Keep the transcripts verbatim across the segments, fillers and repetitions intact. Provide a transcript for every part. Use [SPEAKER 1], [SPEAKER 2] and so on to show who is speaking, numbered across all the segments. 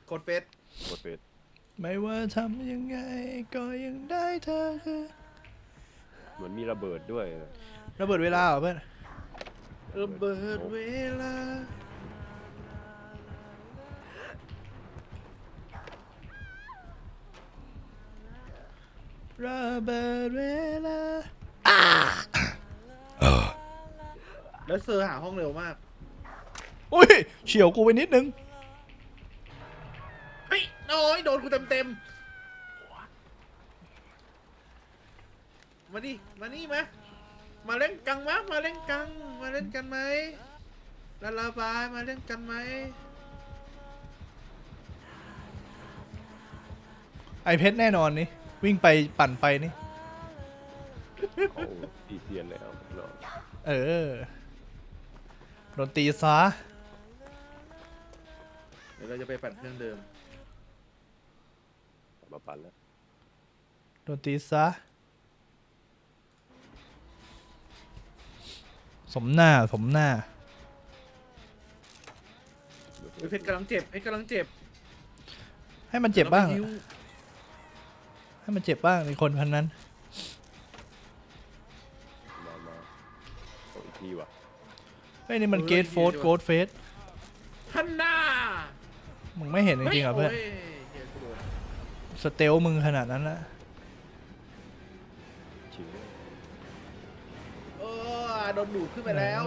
[SPEAKER 1] กดเฟส
[SPEAKER 2] กดเฟส
[SPEAKER 3] ไม่ว่าทำยังไงก็ยังได้เธอคือ
[SPEAKER 2] เหมือนมีระเบิดด้วย
[SPEAKER 3] ระเบิดเวลาเหรอเพื่อน
[SPEAKER 1] ระเบิดเวลา
[SPEAKER 3] ระเบิดเวลา
[SPEAKER 1] แล้วเซอร์หาห้องเร็วมาก
[SPEAKER 3] อุ้ยเฉียวกูไปนิดนึง
[SPEAKER 1] เฮ้ยโอ้ยโดนกูเต็มเต็มมาดิมานี่มามาเล่นกังมะมาเล่นกังมาเล่นกันไหมลาลาบายมาเล่นกันไหม
[SPEAKER 3] ไอเพชรแน่นอนนี่วิ่งไปปั่นไปนี่
[SPEAKER 2] เขาตีเตียนแล้ว
[SPEAKER 3] เออโดนตีซะ
[SPEAKER 1] เดี๋ยวเราจะไปปั่นเครื่องเดิม
[SPEAKER 2] มาปั่นแล้ว
[SPEAKER 3] โดนตีซะสมหน้าสมหน้า
[SPEAKER 1] เพชรกำลังเจ็บเพชรกำลังเจ็บ
[SPEAKER 3] ให้มันเจ็บบ้างให้มันเจ็บบ้างในคนพันนั้น
[SPEAKER 2] มามาเอาอีกทีว่ะ
[SPEAKER 3] เฮ้ยนี่มันเกตโฟร์โกดเฟส
[SPEAKER 1] ฮันน่า
[SPEAKER 3] มึงไม่เห็นจริงๆเหรอเพื่อนสเตลมึงขนาดนั้นละ
[SPEAKER 1] เออโดนดูดขึ้นไปแล้ว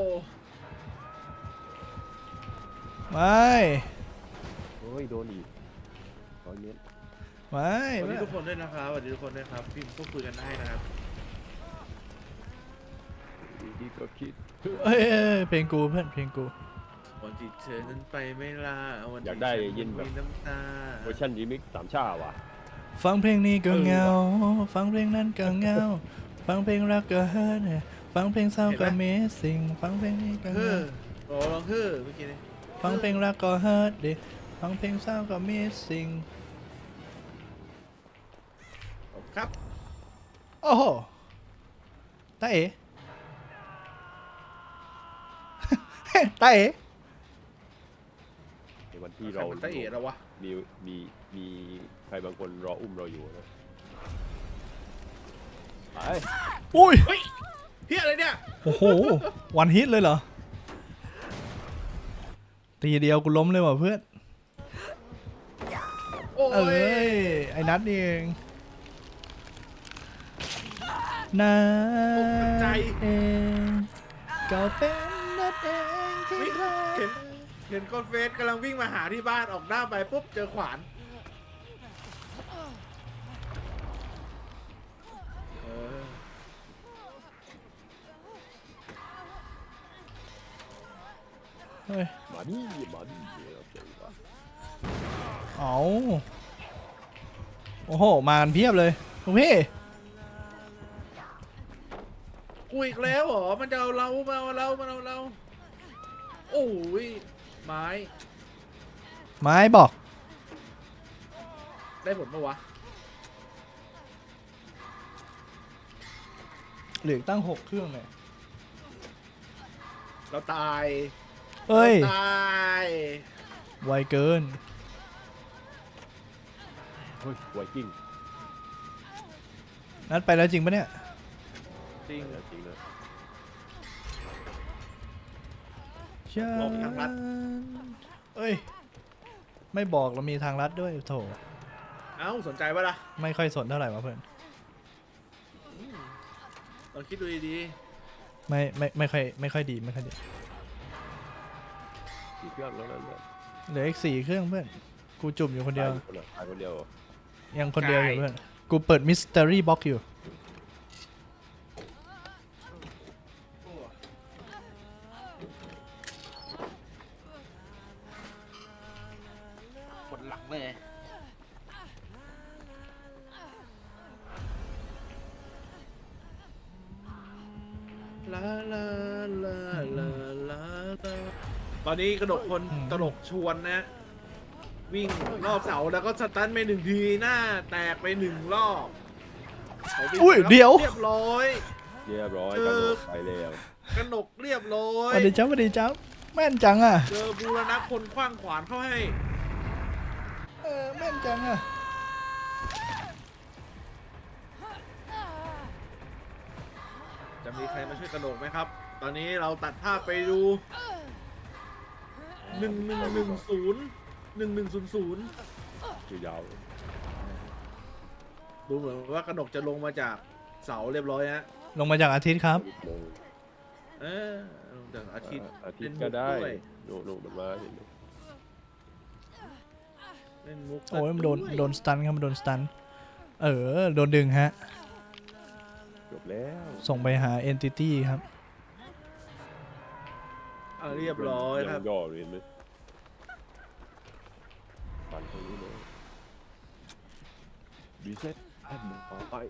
[SPEAKER 3] ไม่
[SPEAKER 2] โอ้ยโดนอีกร้อยเมตร
[SPEAKER 3] ไม่
[SPEAKER 1] สวัสดีทุกคนด้วยนะครับสวัสดีทุกคนด้วยครับพี่พูดคุยกันได้นะครับ
[SPEAKER 2] ดีก็คิด
[SPEAKER 3] เอ้ยเพลงกูเพื่อนเพลงกู
[SPEAKER 1] วันที่เธอนั้นไปไม่ลาวัน
[SPEAKER 2] อยากได้ยินแบบ
[SPEAKER 1] น้ำตา
[SPEAKER 2] เวอร์ชันรีมิกซ์สามชาว่ะ
[SPEAKER 3] ฟังเพลงนี้ก็เงาฟังเพลงนั้นก็เงาฟังเพลงรักก็เฮิร์ทฟังเพลงเศร้าก็เมสซิ่งฟังเพลงนี้ก็เฮิร์ท
[SPEAKER 1] โอ้ลองเฮ้อเมื่อกี้นี้
[SPEAKER 3] ฟังเพลงรักก็เฮิร์ทดิฟังเพลงเศร้าก็เมสซิ่ง
[SPEAKER 1] ครับ
[SPEAKER 3] โอ้โหตาเอ๋ตาเอ๋
[SPEAKER 2] ในวันที่เรา
[SPEAKER 1] ตาเอ๋แล้ววะ
[SPEAKER 2] มีมีมีใครบางคนรออุ้มเราอยู่นะไป
[SPEAKER 3] อุ้ย
[SPEAKER 1] เฮียอะไรเนี่ย
[SPEAKER 3] โอ้โหวันฮิตเลยเหรอตีเดียวกูล้มเลยว่ะเพื่อนเอ้ยไอ้นัทนี่เองนัทเองก็เป็นนัทเองที่
[SPEAKER 1] เห็นเห็นคนเฟสกำลังวิ่งมาหาที่บ้านออกหน้าไปปุ๊บเจอขวาน
[SPEAKER 3] เฮ้ย
[SPEAKER 2] มาดิมาดิเราเจอว่ะ
[SPEAKER 3] เอาโอ้โหมากันเพียบเลยโอเค
[SPEAKER 1] กูอีกแล้วเหรอมันจะเอาเรามาเอาเรามาเอาเราโอ้ยไม้
[SPEAKER 3] ไม้บอก
[SPEAKER 1] ได้ผลปะวะ
[SPEAKER 3] เหลือตั้งหกเครื่องเลย
[SPEAKER 1] เราตาย
[SPEAKER 3] เฮ้ย
[SPEAKER 1] ตาย
[SPEAKER 3] ไวเกิน
[SPEAKER 2] เฮ้ยไวกิ้ง
[SPEAKER 3] นัดไปแล้วจริงปะเนี่ย
[SPEAKER 1] จริง
[SPEAKER 2] จริงเลย
[SPEAKER 1] บอกทางลัด
[SPEAKER 3] เอ้ยไม่บอกเรามีทางลัดด้วยโถ
[SPEAKER 1] เอ้าสนใจปะล่ะ
[SPEAKER 3] ไม่ค่อยสนเท่าไหร่วะเพื่อน
[SPEAKER 1] ลองคิดดูดี
[SPEAKER 3] ๆไม่ไม่ไม่ค่อยไม่ค่อยดีไม่ค่อยดี
[SPEAKER 2] สี่เครื่องแล้วนั่นเลย
[SPEAKER 3] เหลืออีกสี่เครื่องเพื่อนกูจุ่มอยู่คนเดียว
[SPEAKER 2] คนเดียว
[SPEAKER 3] ยังคนเดียวอยู่เพื่อนกูเปิดมิสเตอรี่บ็อกซ์อยู่
[SPEAKER 1] ปวดหลังเลยลาลาลาลาลาตอนนี้กระดกคนกระดกชวนนะวิ่งรอบเสาแล้วก็สตันไปหนึ่งทีหน้าแตกไปหนึ่งรอบ
[SPEAKER 3] อุ้ยเดี๋ยว
[SPEAKER 1] เรียบร้อย
[SPEAKER 2] เรียบร้อยกระดกไปแล้ว
[SPEAKER 1] กระดกเรียบร้อย
[SPEAKER 3] สวัสดีจ้าสวัสดีจ้าแม่นจังอ่ะ
[SPEAKER 1] เจอบูรณะพลขว้างขวานเข้าให้
[SPEAKER 3] อแม่นจังอ่ะ
[SPEAKER 1] จะมีใครมาช่วยกระโดดไหมครับ ตอนนี้เราตัดภาพไปดูหนึ่งหนึ่งหนึ่งศูนย์หนึ่งหนึ่งศูนย์ศูนย์
[SPEAKER 2] คือยาว
[SPEAKER 1] ดูเหมือนว่ากระโดดจะลงมาจากเสาเรียบร้อยฮะ
[SPEAKER 3] ลงมาจากอาทิตย์ครับ
[SPEAKER 2] ลง
[SPEAKER 1] เออลงจากอาทิตย์
[SPEAKER 2] อาทิต
[SPEAKER 1] เล่น
[SPEAKER 2] ย์
[SPEAKER 1] มุ
[SPEAKER 2] ก็ได้
[SPEAKER 1] วย
[SPEAKER 2] โน่โน่มันมาเห็นไหม
[SPEAKER 1] เล่นมุก
[SPEAKER 3] โอ้ยมันโดน
[SPEAKER 1] วย
[SPEAKER 3] โดนสตันครับมันโดนสตันเออโดนดึงฮะ
[SPEAKER 2] จบแล้ว
[SPEAKER 3] ส่งไปหา entity ครับ
[SPEAKER 1] อ่ะเรียบร้อยครับ
[SPEAKER 2] งย่อเห็นไหมปั่นตรงนี้เลยบีเซ็ตแอดมันต่อไป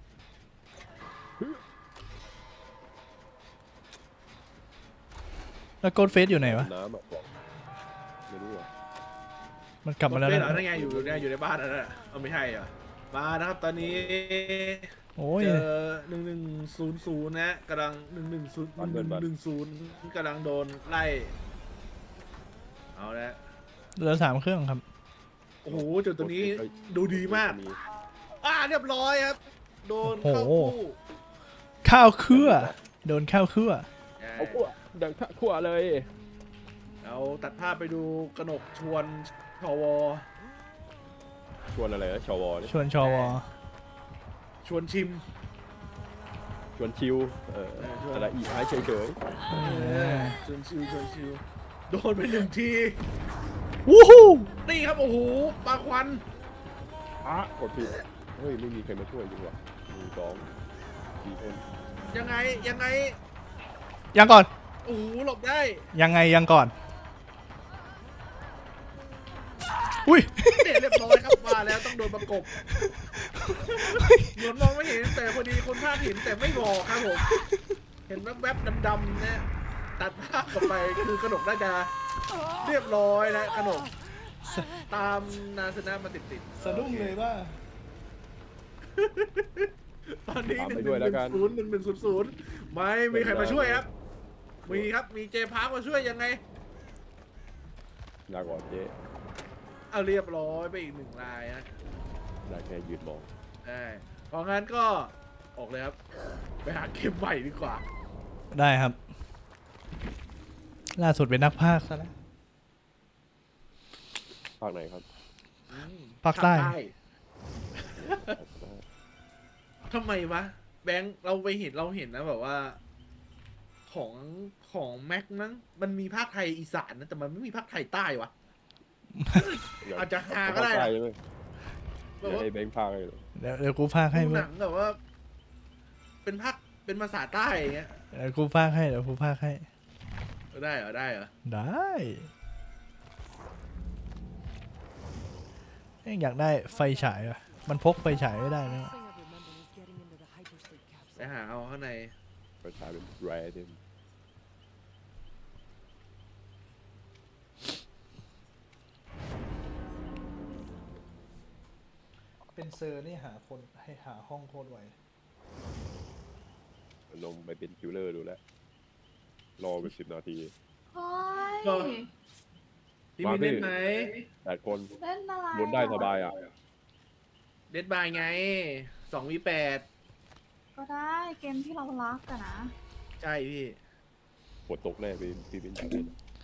[SPEAKER 3] แล้วโกดเฟสอยู่ไหนวะ
[SPEAKER 2] น้ำอ่ะบอกไม่รู้อ่ะ
[SPEAKER 3] มันกลับมาแล้ว
[SPEAKER 1] เฟซ
[SPEAKER 3] นะ
[SPEAKER 1] เหรอนั่นไงอยู่เนี่ยอยู่ในบ้านนั่นแหละเอาไม่ใช่เหรอมานะครับตอนนี้
[SPEAKER 3] โอ้ย
[SPEAKER 1] เจอหนึ่งหนึ่งศูนย์ศูนย์นะกำลังหนึ่งหนึ่งศูนย์หนึ่งหนึ่งศูนย์กำลังโดนไล่เอาละ
[SPEAKER 3] เหลือสามเครื่องครับ
[SPEAKER 1] โอ้โหจุดตรงนี้ดูดีมากอ่าเรียบร้อยครับ โดนเข้า
[SPEAKER 3] โอ้
[SPEAKER 1] คู่
[SPEAKER 3] โห ข้าวเครือโดนข้าวเครือ
[SPEAKER 2] เอาขั้วดังทะขั้วเลย
[SPEAKER 1] เราตัดภาพไปดูกนกชวนชว
[SPEAKER 2] ชวนอะไรนะชวนี่
[SPEAKER 3] ชวนชอวอ
[SPEAKER 1] ชวนชิม
[SPEAKER 2] ชวนชิวเออ
[SPEAKER 1] เออชวน
[SPEAKER 2] อะไรอีกให้เฉย
[SPEAKER 3] เออ
[SPEAKER 1] ชวนชิวชวนชิวโดนไปหนึ่งที
[SPEAKER 3] วู้ฮู้
[SPEAKER 1] นี่ครับโอ้โหปลาควัน
[SPEAKER 2] ๆอ่ะกดผิดเฮ้ยไม่มีใครมาช่วยจริงว่ะหนึ่งสองสี่คน
[SPEAKER 1] ยังไงยังไง
[SPEAKER 3] ยังก่อน
[SPEAKER 1] โอ้โหหลบได้
[SPEAKER 3] ยังไงยังก่อน อุ้ย
[SPEAKER 1] เนี่ยเรียบร้อยครับมาแล้วต้องโดนประกบเหมือนมองไม่เห็นแต่พอดีคนภาพเห็นแต่ไม่บอกครับผมเห็นแวบๆดำๆเนี่ยตัดภาพกลับไปคือกระหนกน่าจะเรียบร้อยนะกระหนกตามนาสนะมาติดๆ
[SPEAKER 3] สะดุ้งเลยว่า
[SPEAKER 1] ตอนนี้
[SPEAKER 2] ตาม
[SPEAKER 1] หนึ่
[SPEAKER 2] ไป
[SPEAKER 1] งห
[SPEAKER 2] ด้วยแล้ว
[SPEAKER 1] นึ่
[SPEAKER 2] กัน
[SPEAKER 1] งศูนย์หนึ่งหนึ่งศูนย์ศูนย์ไม่มีใครมาช่วยครับ มีครับมีเจพาร์คมาช่วยยังไง
[SPEAKER 2] ลาก่อนเจ๊
[SPEAKER 1] เอาเรียบร้อยไปอีกหนึ่งรายนะ
[SPEAKER 2] ลาแค่ยืนมอง
[SPEAKER 1] ได้เพราะงั้นก็ออกเลยครับ ไปหาเกมใหม่ดีกว่า
[SPEAKER 3] ได้ครับ ล่าสุดเป็นนักพากย์ซะแล้ว
[SPEAKER 2] ภาคไหนครับ
[SPEAKER 1] อืม
[SPEAKER 3] ภาคใต้
[SPEAKER 1] ทำไมวะ แบงค์เราไปเห็นเราเห็นนะแบบว่า ของของแม็กนั้นมันมีภาคไทยอีสานนะแต่มันไม่มีภาคไทยใต้วะ อาจจะหาก็ได้
[SPEAKER 2] ภค
[SPEAKER 1] นะ
[SPEAKER 2] ใต้ใช่ไหม
[SPEAKER 1] แบ
[SPEAKER 2] อบ ย่า
[SPEAKER 1] ว่า
[SPEAKER 2] ให้แบงค์ภาคเลยเหรอ
[SPEAKER 3] เดี๋ยวเดี๋ยวกูพากย์ให้
[SPEAKER 1] ดู
[SPEAKER 3] เพื่
[SPEAKER 1] ห
[SPEAKER 3] อ
[SPEAKER 1] นังแบบว่า เป็นภาคเป็นภาษาใต้อย่างเงี้ย
[SPEAKER 3] เดี๋ยวกูพากย์ให้เดี๋ยวกูพากย์ให้
[SPEAKER 1] ได้เหรอได้เหรอ
[SPEAKER 3] ได้เอ้ยอยากได้ไฟฉายว่ะ มันพกไฟฉายไม่ได้นะ
[SPEAKER 1] ไปหาเอาข้างใน
[SPEAKER 2] ประชาเป็นแรดเดม
[SPEAKER 3] เป็นเซอร์นี่หาคนให้หาห้องโคตรไว
[SPEAKER 2] ลงไปเป็นคิวเลอร์ดูแล้ว รอไปสิบนาที
[SPEAKER 4] เฮ้
[SPEAKER 1] ก็
[SPEAKER 4] ย
[SPEAKER 1] พี่มีเล่นไหม
[SPEAKER 2] แปดคน
[SPEAKER 4] เล่นอะไร
[SPEAKER 2] ลุ้นได้สบายอ่ะ
[SPEAKER 1] เด็ดบายไงสองวีแปด
[SPEAKER 4] ก็ได้เกมที่เรารักกันนะ
[SPEAKER 1] ใช่พี่
[SPEAKER 2] ปวดตกแน่พี่พี่เป็นอย่างนี้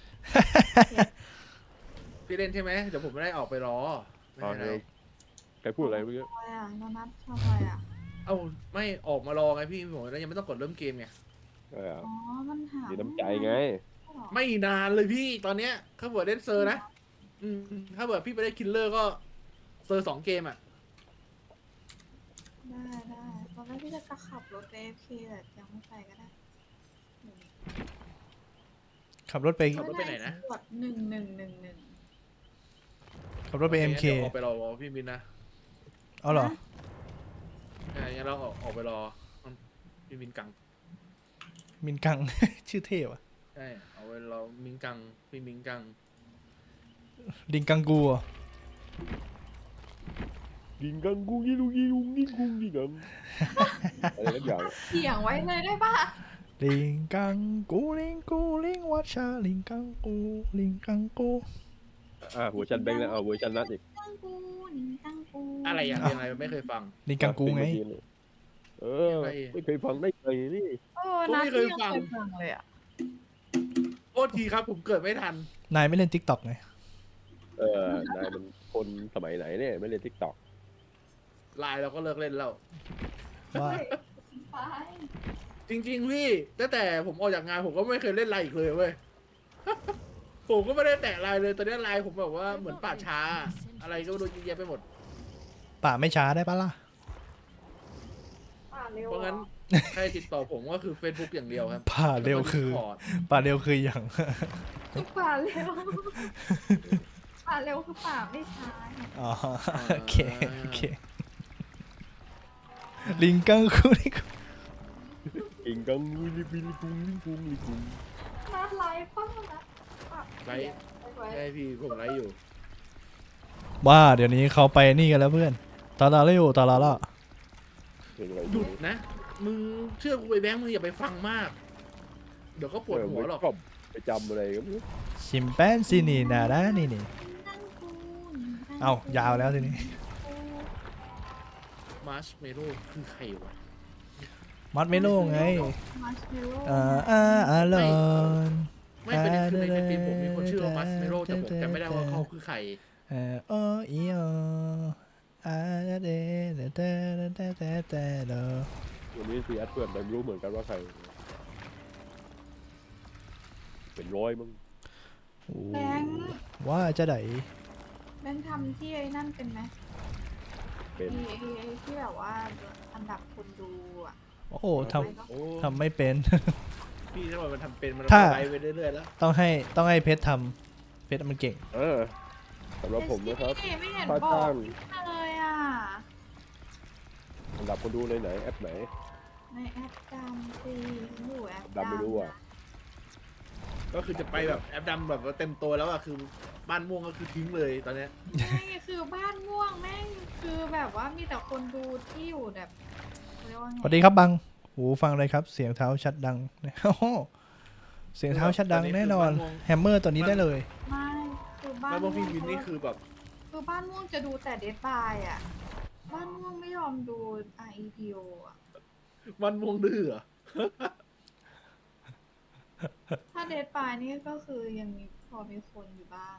[SPEAKER 1] พี่เล่นใช่ไหมเดี๋ยวผมไม่ได้ออกไปรอไม่
[SPEAKER 2] ตอน
[SPEAKER 1] เป็นไร
[SPEAKER 2] นี้ใครพูดอะไรเมื่อกี้
[SPEAKER 4] อะไรอ่ะโนนัทชอบอะไรอ่ะ
[SPEAKER 1] เอ้าไม่ออกมารอไงพี่ผมแล้วยังไม่ต้องกดเริ่มเกมไง
[SPEAKER 2] เออ
[SPEAKER 4] อ๋อ มันหา
[SPEAKER 2] มีน้ำใจไง
[SPEAKER 4] ไม่
[SPEAKER 1] ไม่นานเลยพี่ตอนเนี้ยถ้าเบิร์ดเล่นเซอร์นะอืมถ้าเบิร์ดพี่ไปได้คิลเลอร์ก็เซอร์สองเกมอ่ะ
[SPEAKER 4] ได้ได้ตอนแรกพี่จะกระขับรถไปเอฟเคแต่ยังไม่ไปก็ได้
[SPEAKER 3] ขับรถไป
[SPEAKER 1] ขับรถไปไหนนะ
[SPEAKER 4] กดหนึ่งหนึ่งหนึ่งหนึ่ง
[SPEAKER 3] ขับรถไป เอ็ม เค
[SPEAKER 1] ดี๋ยวออกไปรอพี่มินนะ
[SPEAKER 3] เอาเหรอ
[SPEAKER 1] ใช่งั้นเราออกออกไปรอพี่มินกัง
[SPEAKER 3] มินกัง ชื่อเท่ว่ะ
[SPEAKER 1] ใช่เอาไปรอมินกังพี่มินกัง
[SPEAKER 3] ดิงกังกูเหรอ
[SPEAKER 2] กิงกังกุ้งยี่ลุงยี่ลุงนี่กุ้งนี่กังอะไรนักอย่าง
[SPEAKER 4] เถียงไว้เลยได้ปะ
[SPEAKER 3] ลิงกังกูลิงกูลิงวัชชาลิงกังกูลิงกังกู
[SPEAKER 2] อ่าเวอร์ชันแบงค์แล้วเอาเวอร์ชันนัดอีก
[SPEAKER 4] ตั้งกูหนิงตั้งกู
[SPEAKER 1] อะไรอย่างยังไงไม่เคยฟัง
[SPEAKER 3] ลิงกังกูไง
[SPEAKER 2] เออไม่เคยฟังได้ไงนี่
[SPEAKER 4] เออนัดที่ยังเคยฟังเลยอ่ะ
[SPEAKER 1] โทษทีครับผมเกิดไม่ทัน
[SPEAKER 3] นายไม่เล่นทิกตอกไง
[SPEAKER 2] เออนายมันคนสมัยไหนเนี่ยไม่เล่นทิกตอก
[SPEAKER 1] ไลน์เราก็เลิกเล่นแล้ว
[SPEAKER 3] ว่า
[SPEAKER 4] ไป
[SPEAKER 1] จริงๆพี่ตั้งแต่ผมออกจากงานผมก็ไม่เคยเล่นไลน์อีกเลยเว้ย ผมก็ไม่ได้แตะไลน์เลยตอนนี้ไลน์ผมแบบว่าเหมือนป่าช้า อะไรก็ไม่รู้เยอะแยะไปหมด
[SPEAKER 3] ป่าไม่ช้าได้ปะล่ะ
[SPEAKER 4] ป่าเร็ว
[SPEAKER 1] เพราะงั้นใครติดต่อผมก็คือ Facebook อย่างเดียวครับ
[SPEAKER 3] ป่าเร็วคือ
[SPEAKER 1] แล้วก็ Discord
[SPEAKER 3] ป่าเร็วคืออย่าง
[SPEAKER 4] ป่าเร็วป่าเร็วคือป่าไม่ช้า
[SPEAKER 3] อ๋อโอเคโอเคลิงกังกูลิงกัง
[SPEAKER 2] อิงกังวิลิบิลิกุงลิกุงลิกุง
[SPEAKER 4] นัดไลฟ์ป้านะ
[SPEAKER 1] ไลฟ์ ใช่พี่ผมไลฟ์อยู่
[SPEAKER 3] ว่าเดี๋ยวนี้เขาไปนี่กันแล้วเพื่อนตาลาเร็วตาลาละ
[SPEAKER 2] เพลงอะไร
[SPEAKER 1] หยุดนะ มึงเชื่อกูไปแบงค์มึงอย่าไปฟังมาก เดี๋ยวก็ปวดหัวหรอก
[SPEAKER 2] ก็ไปจำอะไรก็ไม่รู้
[SPEAKER 3] ชิมแปนซินี่นาดานี่นี่
[SPEAKER 4] ตั้งกู
[SPEAKER 3] เอ้ายาวแล้วทีนี้
[SPEAKER 1] มาร์ชเมโลคือใครวะ
[SPEAKER 3] มัดไม่โล่งไง
[SPEAKER 4] มาร์ชเมลโล่
[SPEAKER 3] อ่าอ่าอ่าลอน
[SPEAKER 1] ไม่เป็นไรคือในในทีมผมมีคนชื่อว่ามาร์ชเมโลแต่ผมจำไม่ได้ว่าเขาคือใคร
[SPEAKER 3] เออโออีโออาเดเดเดเดเดเดเดเดเด
[SPEAKER 2] วันนี้ซีแอดเพื่อนแต่ไม่รู้เหมือนกันว่าใคร เป็นร้อยมั้ง
[SPEAKER 4] แบงค์
[SPEAKER 3] ว่าจะไหน
[SPEAKER 4] แบงค์ทำที่ไอ้นั่นเป็นไหม
[SPEAKER 2] เป็น
[SPEAKER 4] ไอ้ไอ้ไอ้ที่แบบว่าอันดับคนดูอ่ะ
[SPEAKER 3] โอ้โหท
[SPEAKER 1] โอ้
[SPEAKER 3] ำทำไม่เป็น
[SPEAKER 1] พี่ถ้ามันทำเป็นมัน
[SPEAKER 3] ถ้า
[SPEAKER 1] ไปไปเรื่อยๆแล้ว
[SPEAKER 3] ต้องให้ต้องให้เพชรทำเพชรมันเก่ง
[SPEAKER 2] เออสำหรับผมนะครับ
[SPEAKER 4] เไม่เห็น
[SPEAKER 2] ป้า
[SPEAKER 4] บอ
[SPEAKER 2] จ้าก ง
[SPEAKER 4] เลยอ่ะ
[SPEAKER 2] อันดับคนดูในไหนแอปไหน
[SPEAKER 4] ในแอปดำสิอยู่แอป
[SPEAKER 2] ดำไม่รู้อะ
[SPEAKER 1] ก็คือจะไปแบบแอปดำแบบว่าเต็มตัวแล้วอะคือบ้านม่วงก็คือทิ้งเลยตอนเนี้ย
[SPEAKER 4] ไม่คือบ้านม่วงแม่งคือแบบว่ามีแต่คนดูที่อยู่แบบเรียกว่าไง
[SPEAKER 3] สวัสดีครับบังหูฟังเลยครับ เสียงเท้าชัดดัง โอ้โหเสียงเท้าชัดดังแน่นอนแฮมเมอร์ตัวนี้ได้เลย
[SPEAKER 4] ไม่คือบ้าน
[SPEAKER 1] บ้านม่วงพี่วิน
[SPEAKER 4] คือ
[SPEAKER 1] นี่คือแบบ
[SPEAKER 4] คือบ้านม่วงจะดูแต่เดทบายอ่ะบ้านม่วงไม่ยอมดูไอเดียอ่ะ
[SPEAKER 1] บ้านม่วงดื้อเหรอ
[SPEAKER 4] ถ้าเดทบายนี่ก็คือยังมีพอมีคนอยู่บ้าง